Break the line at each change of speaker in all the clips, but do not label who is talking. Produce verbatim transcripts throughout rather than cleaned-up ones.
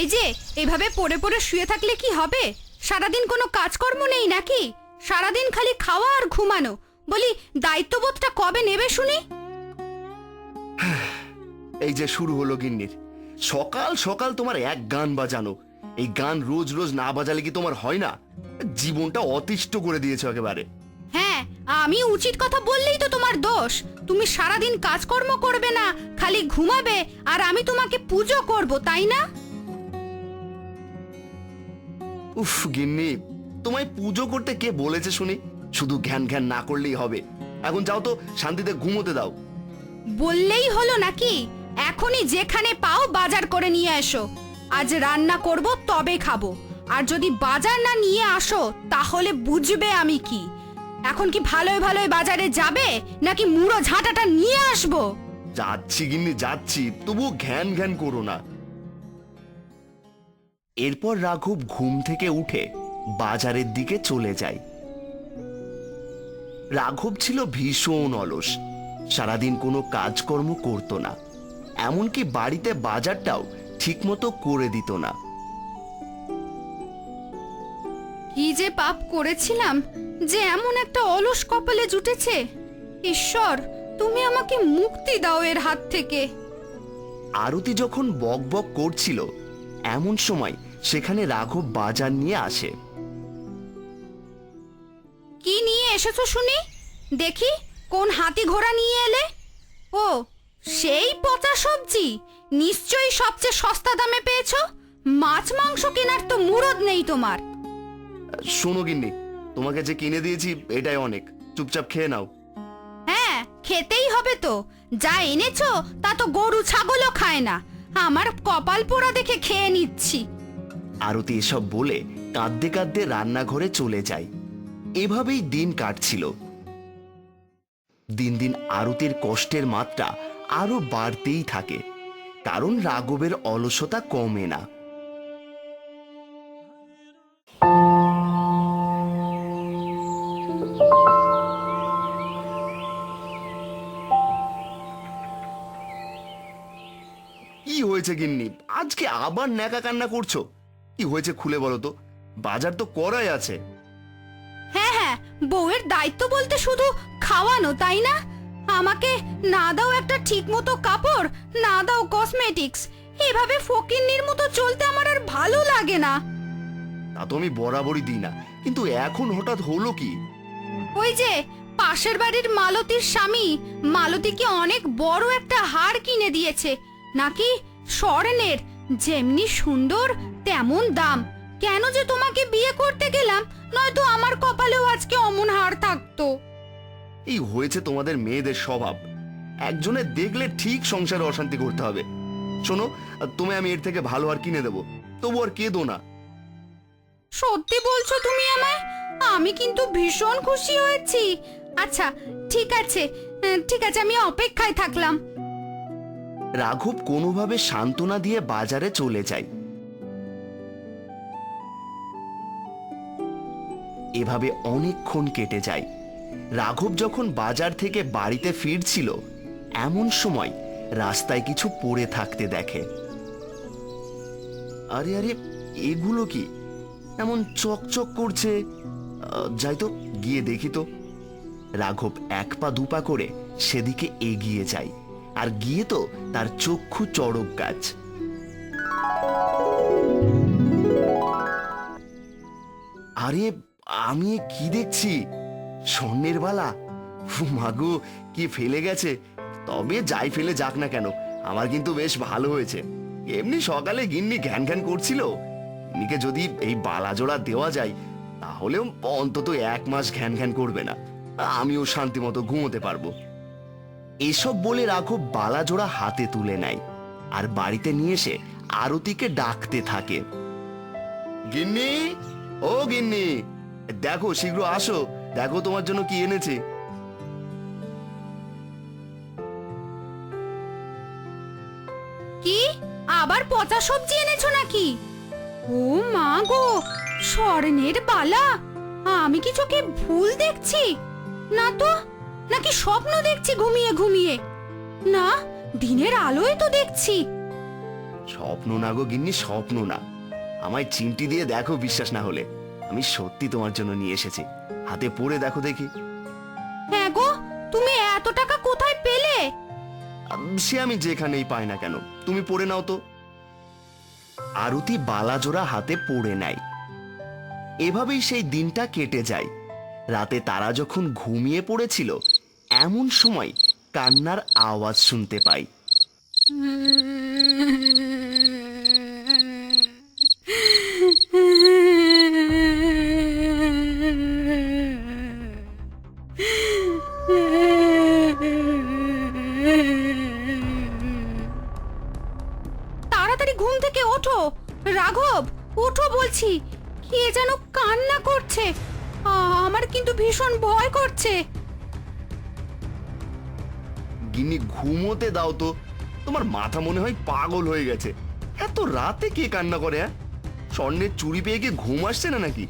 এই যে এভাবে পড়ে পড়ে শুয়ে থাকলে কি হবে? সারাদিন কোনো কাজকর্ম নেই নাকি? সারাদিন খালি খাওয়া আর ঘুমানো। বলি দায়িত্ববোধটা কবে নেবে শুনি?
এই যে শুরু হলো গিন্নির। সকাল সকাল তোমার এক গান বাজানো। এই গান রোজ রোজ না বাজালে কি তোমার হয় না? জীবনটা অতিষ্ঠ করে দিয়েছে একেবারে।
হ্যাঁ, আমি উচিত কথা বললেই তো তোমার দোষ। তুমি সারাদিন কাজকর্ম করবে না, খালি ঘুমাবে, আর আমি তোমাকে পুজো করব, তাই না?
উফ গিন্নি, তোমায় পুজো করতে কে বলেছে শুনি? শুধু ঘ্যান ঘ্যান না করলেই হবে। এখন যাও তো, শান্তিতে ঘুমোতে দাও।
বললেই হলো নাকি? এখনই যেখানে পাও বাজার করে নিয়ে এসো। আজ রান্না করব, তবে খাবো। আর যদি বাজার না নিয়ে আসো তাহলে বুঝবে আমি কি। এখন কি ভালোই ভালোই বাজারে যাবে, নাকি মুড়ো ঝাঁটাটা নিয়ে আসবো?
যাচ্ছি গিন্নি যাচ্ছি, তবুও ঘ্যান ঘ্যান করো না। এরপর রাঘব ঘুম থেকে উঠে বাজারের দিকে চলে যায়। রাঘব ছিল ভীষণ অলস। সারাদিন কোনো কাজকর্ম করত না, এমনকি বাড়িতে বাজারটাও ঠিকমতো করে দিত না।
কি যে পাপ করেছিলাম যে এমন একটা অলস কপালে জুটেছে। ঈশ্বর, তুমি আমাকে মুক্তি দাও এর হাত থেকে।
আরতি যখন বক বক করছিল, এমন সময় সেখানে রাঘব বাজার নিয়ে আসে।
কি নিয়ে এসেছো শুনি? দেখি কোন হাতি ঘোড়া নিয়ে এলে। ও, সেই পচা সবজি। নিশ্চয়ই সবচেয়ে সস্তা দামে পেয়েছো। মাছ মাংস কেনার তো মুরদ নেই তোমার।
শোনো গিন্নি, তোমাকে যে কিনে দিয়েছি এটাই অনেক। চুপচাপ খেয়ে নাও।
হ্যাঁ, খেতেই হবে তো। যা এনেছো তা তো গরু ছাগলও খায় না। আমার কপাল পোড়া দেখে খেয়ে নিচ্ছি।
আরতি এসব বলে কাঁদতে কাঁদতে রান্নাঘরে চলে যায়। এভাবেই দিন কাটছিল। দিন দিন আরতির কষ্টের মাত্রা আরো বাড়তেই থাকে, কারণ রাঘবের অলসতা কমে না। কি হয়েছে গিন্নি, আজকে আবার ন্যাকা কান্না করছো? কি হয়েছে খুলে বলো তো। বাজার তো করাই আছে।
হ্যাঁ হ্যাঁ, বউয়ের দায়িত্ব বলতে শুধু খাওয়ানো, তাই না? আমাকে না দাও একটা ঠিক মতো কাপড়, না দাও কসমেটিক্স। এভাবে ফকিন্নির মতো চলতে আমার আর ভালো লাগে না।
তা তো আমি বরাবরই দিই না, কিন্তু এখন হঠাৎ হলো কি?
ওই যে পাশের বাড়ির মালতীর স্বামী, মালতীকে অনেক বড় একটা হার কিনে দিয়েছে, নাকি স্বর্ণের। যেমনি সুন্দর তেমন দাম। কেন যে তোমাকে বিয়ে করতে গেলাম, নয়তো আমার কপালেও আজকে অমন হার থাকতো।
এই হয়েছে তোমাদের মেয়েদের স্বভাব। একজনের দেখলে ঠিক সংসারে অশান্তি করতে হবে। শোনো, তুমি আমি এর থেকে ভালো আর কিনে দেবো, তবু আর কেঁদো না।
সত্যি বলছো তুমি আমায়? আমি কিন্তু ভীষণ খুশি হয়েছি। আচ্ছা ঠিক আছে, ঠিক আছে, আমি অপেক্ষায় থাকলাম।
রাঘব কোনোভাবে সান্ত্বনা দিয়ে বাজারে চলে যায়। এভাবে অনেকক্ষণ কেটে যায়। রাঘব যখন বাজার থেকে বাড়িতে ফিরছিল, এমন সময় রাস্তায় কিছু পড়ে থাকতে দেখে। আরে আরে, এগুলো কি এমন চকচক করছে? যাই তো, গিয়ে দেখি তো। রাঘব এক পা দুপা করে সেদিকে এগিয়ে যায়, আর গিয়ে তো তার চক্ষু চড়ক গাছ। আরে, আমি কি দেখছি? স্বর্ণের বালা। মাগো, কি ফেলে গেছে। তবে যাই ফেলে যাক না কেন, আমার কিন্তু বেশ ভালো হয়েছে। এমনি সকালে গিন্নি ঘ্যান ঘ্যান করছিল, গিন্নিকে যদি এই বালা জোড়া দেওয়া যায় তাহলেও অন্তত এক মাস ঘ্যান ঘ্যান করবে না, আমিও শান্তি মতো ঘুমোতে পারবো। এসব বলে রাঘব বালা জোড়া হাতে তুলে নেয়, আর বাড়িতে নিয়ে এসে আরতিকে ডাকতে থাকে। গিন্নি, ও গিন্নি, দেখো শীঘ্র আসো, দেখো তোমার জন্য কি এনেছে।
কি আবার পচা সবজি এনেছো নাকি? ও মা গো, স্বর্ণের বালা! আমি কি চোখে ভুল দেখছি? না তো, নাকি স্বপ্ন দেখছি ঘুমিয়ে ঘুমিয়ে? না, দিনের আলোয় তো দেখছি।
স্বপ্ন না গো গিন্নি, স্বপ্ন না। আমায় চিমটি দিয়ে দেখো, বিশ্বাস না হলে আমি সত্যি তোমার জন্য নিয়ে এসেছি। হাতে পরে দেখো দেখি।
হ্যাঁ গো, তুমি এত টাকা কোথায় পেলে?
আম, সে আমি যেখানেই পাই না কেন, তুমি পরে নাও তো। আরতি বালাজোড়া হাতে পড়ে নেয়। এভাবেই সেই দিনটা কেটে যায়। রাতে তারা যখন ঘুমিয়ে পড়েছিল, এমন সময় কান্নার আওয়াজ শুনতে পায়।
তাড়াতাড়ি ঘুম থেকে ওঠো রাঘব, ওঠো বলছি। কে যেন কান্না করছে, আ- আমার কিন্তু ভীষণ ভয় করছে।
গিন্নি ঘুমোতে দাও তো, তোমার মাথা মনে হয় পাগল হয়ে গেছে। এত রাতে কে কান্না করে? হ্যাঁ, স্বর্ণের চুরি পেয়ে কি ঘুম আসছে না নাকি?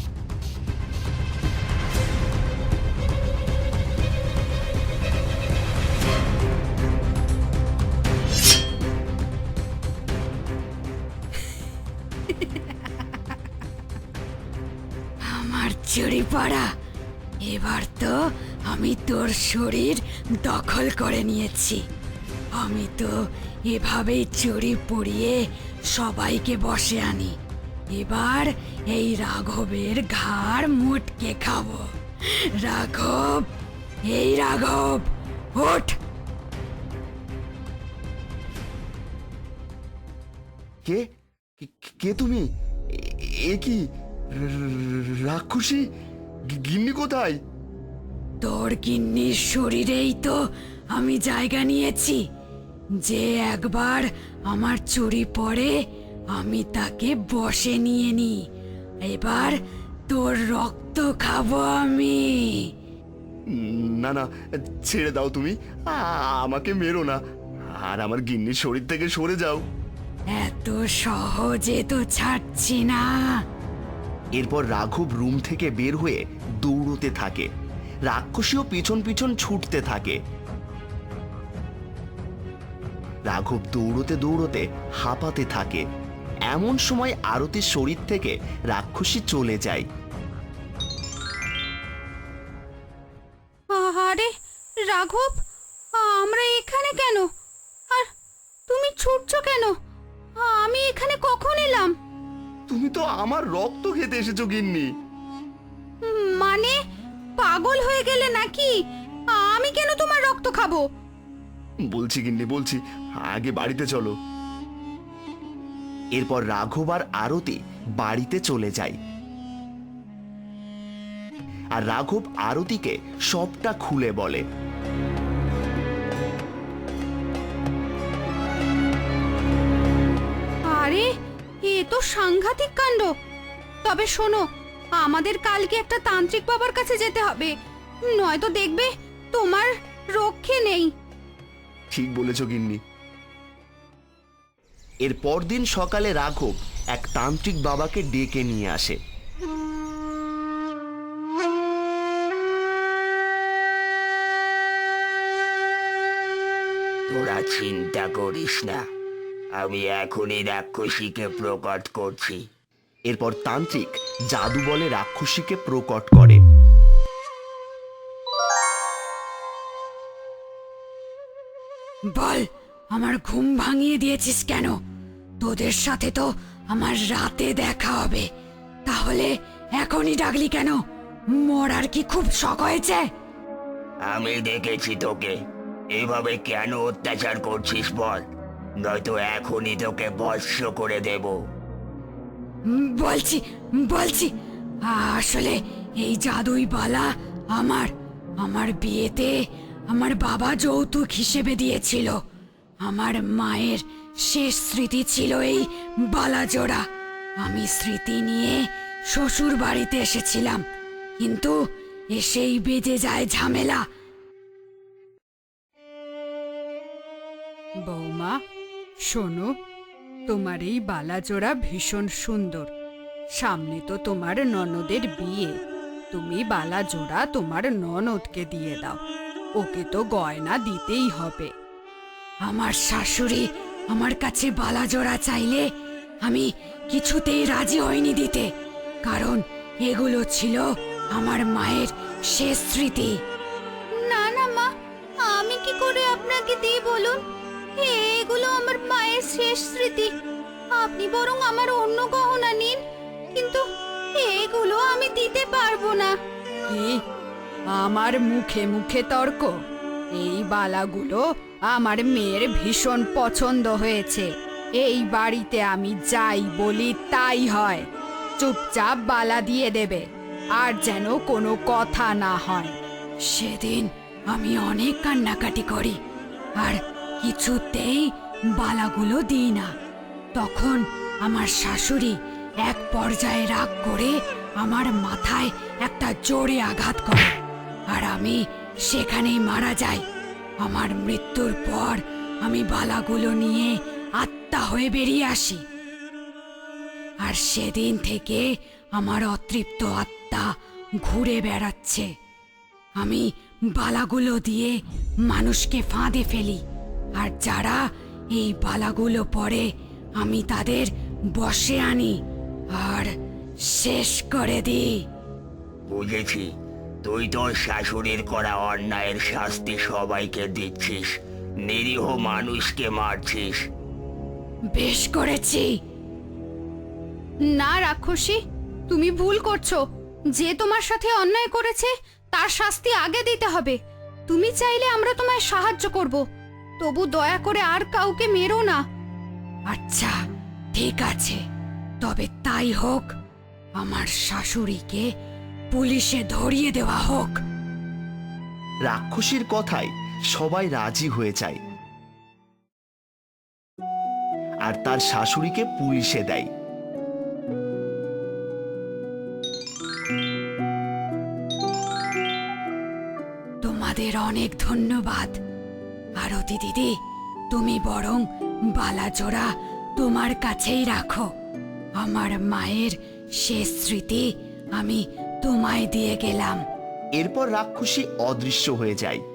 আমার চুরি পড়া, এবার তো আমি তোর শরীর দখল করে নিয়েছি। আমি তো এভাবেই চুরি পড়িয়ে সবাইকে বসে আনি। এবার এই রাঘবের ঘাড় মুটকে খাবো। রাঘব, এই রাঘব, ওঠ।
কে কে- কে তুমি? এ- এ কি র- রাক্ষসী? গি- গিন্নি কোথায়?
তোর গিন্নির শরীরেই তো আমি জায়গা নিয়েছি। যে একবার আমার চুরি পড়ে, আমি তাকে বশে নিয়ে নি। এবার তোর রক্ত খাবো আমি।
না না, ছেড়ে দাও তুমি, আ- আমাকে মেরো না। আর আমার গিন্নির শরীর থেকে সরে যাও।
এত সহজে তো ছাড়ছি না।
এরপর রাঘব রুম থেকে বের হয়ে দৌড়তে থাকে। রাক্ষসীও পিছন পিছন ছুটতে থাকে। রাঘব দৌড়তে দৌড়তে হাঁপাতে থাকে। এমন সময় আরতির শরীর থেকে রাক্ষসী চলে যায়।
আরে রাঘব, আমরা এখানে কেন? আর তুমি ছুটছো কেন? আমি এখানে কখন এলাম?
তুমি তো আমার রক্ত খেতে এসেছো গিন্নি।
মানে পাগল হয়ে গেলে নাকি? আমি কেন তোমার রক্ত খাবো?
বলছি গিন্নি, বলছি, আগে বাড়িতে চলো। এরপর রাঘব আর আরতি বাড়িতে চলে যায়। আর রাঘব আরতিকে সবটা খুলে বলে।
আরে এ তো সাংঘাতিক কাণ্ড। তবে শোনো, আমাদের কালকে একটা তান্ত্রিক বাবার কাছে যেতে হবে, নয়তো দেখবে তোমার রক্ষে নেই।
ঠিক বলেছ গিন্নি। এর পরদিন সকালে রাঘব এক তান্ত্রিক বাবাকে ডেকে নিয়ে আসে।
তোরা চিন্তা করিস না, আমি এখনই রাক্ষসীকে প্রকট করছি।
এরপর তান্ত্রিক জাদু বলে রাক্ষসীকে প্রকট করে।
বল, আমার ঘুম ভাঙিয়ে দিয়েছিস কেন? তোদের সাথে তো আমার রাতে দেখা হবে, তাহলে এখনই ডাকলি কেন? মরার কি খুব শখ হয়েছে?
আমি দেখেছি তোকে, এভাবে কেন অত্যাচার করছিস বল, নয়তো এখনই তোকে ভস্ম করে দেব।
উম, বলছি বলছি আসলে এই জাদুই বালা আমার আমার বিয়েতে আমার বাবা যৌতুক হিসেবে দিয়েছিল। আমার মায়ের শেষ স্মৃতি ছিল এই বালা জোড়া। আমি স্মৃতি নিয়ে শ্বশুর বাড়িতে এসেছিলাম, কিন্তু এসেই বেজে যায় ঝামেলা।
বৌমা, শোনো, তোমার এই বালাজোড়া ভীষণ সুন্দর। সামনে তো তোমার ননদের বিয়ে, তুমি বালাজোড়া তোমার ননদকে দিয়ে দাও, ওকে তো গয়না দিতেই হবে।
আমার শাশুড়ি
আমার কাছে বালা জোড়া চাইলে আমি কিছুতেই রাজি হইনি দিতে, কারণ এগুলো ছিল আমার মায়ের শেষ স্মৃতি।
না না মা, আমি কি করে আপনাকে দিই বলুন? এগুলো আমার মায়ের শেষ স্মৃতি। আপনি বরং আমার অন্য গহনা নিন, কিন্তু এগুলো আমি দিতে পারবো না।
কি? আমার মুখে মুখে তর্ক? এই বালাগুলো আমার মেয়ের ভীষণ পছন্দ হয়েছে। এই বাড়িতে আমি যাই বলি তাই হয়। চুপচাপ বালা দিয়ে দেবে, আর যেন কোনো কথা না হয়। সেদিন আমি অনেক কান্নাকাটি করি, আর কিছুতেই বালাগুলো দিই না। তখন আমার শাশুড়ি এক পর্যায়ে রাগ করে আমার মাথায় একটা জোরে আঘাত করে, আর আমি সেখানেই মারা যাই। আমার মৃত্যুর পর আমি বালাগুলো নিয়ে আত্মা হয়ে বেরিয়ে আসি, আর সেদিন থেকে আমার অতৃপ্ত আত্মা ঘুরে বেড়াচ্ছে। আমি বালাগুলো দিয়ে মানুষকে ফাঁদে ফেলি, আর যারা এই বালাগুলো পরে আমি তাদের বশে আনি আর শেষ করে দিই।
বুঝেছি, তুই তোর শাশুড়ির করা অন্যায়ের শাস্তি সবাইকে দিচ্ছিস, নিরীহ মানুষকে মারছিস।
বেশ করেছি।
না রাক্ষসী, তুমি ভুল করছো। যে তোমার সাথে অন্যায় করেছে তার শাস্তি আগে দিতে হবে। তুমি চাইলে আমরা তোমায় সাহায্য করব, তবু দয়া করে আর কাউকে মেরো না।
আচ্ছা ঠিক আছে, তবে তাই হোক। আমার শাশুড়িকে পুলিশে ধরিয়ে দেওয়া হোক।
রাক্ষসীর কথায় সবাই রাজি হয়ে যায় আর তার শাশুড়িকে পুলিশে দেয়।
তোমাদের অনেক ধন্যবাদ। আরতি দিদি, তুমি বরং বালাজোড়া তোমার কাছেই রাখো। আমার মায়ের শেষ স্মৃতি আমি তোমায় দিয়ে গেলাম।
এরপর রাক্ষসী অদৃশ্য হয়ে যায়।